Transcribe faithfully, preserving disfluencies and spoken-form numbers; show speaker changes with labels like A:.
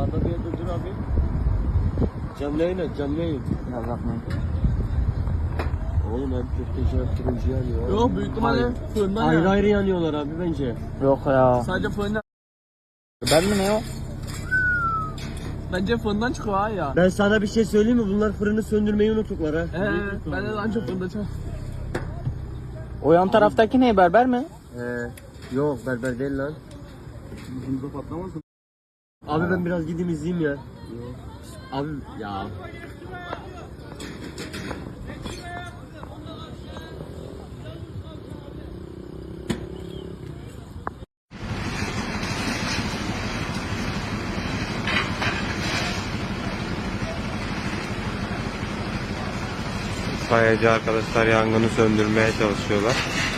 A: Sağda bir yerde dur abi. Canlı yayın aç, canlı yayın.
B: Ya bakmayın.
A: Oğlum hem köfteci hem turuncu yanıyor.
C: Yok büyük ihtimalle fırından
A: Ayrı
C: yani.
A: ayrı yanıyorlar abi bence.
B: Yok ya.
C: Sadece fırından.
B: Ben mi ne o?
C: Bence fırından çıkıyor ha ya.
A: Ben sana bir şey söyleyeyim mi? Bunlar fırını söndürmeyi unuttuklar ha.
C: Ee, ben de daha çok fırında çıkıyor.
B: O yan taraftaki ne, berber mi?
A: He. Yok berber değil lan.
C: Bunda patlamasın.
A: Abi ben biraz gideyim izleyeyim ya. Abi ya.
D: İtfaiyeci arkadaşlar yangını söndürmeye çalışıyorlar.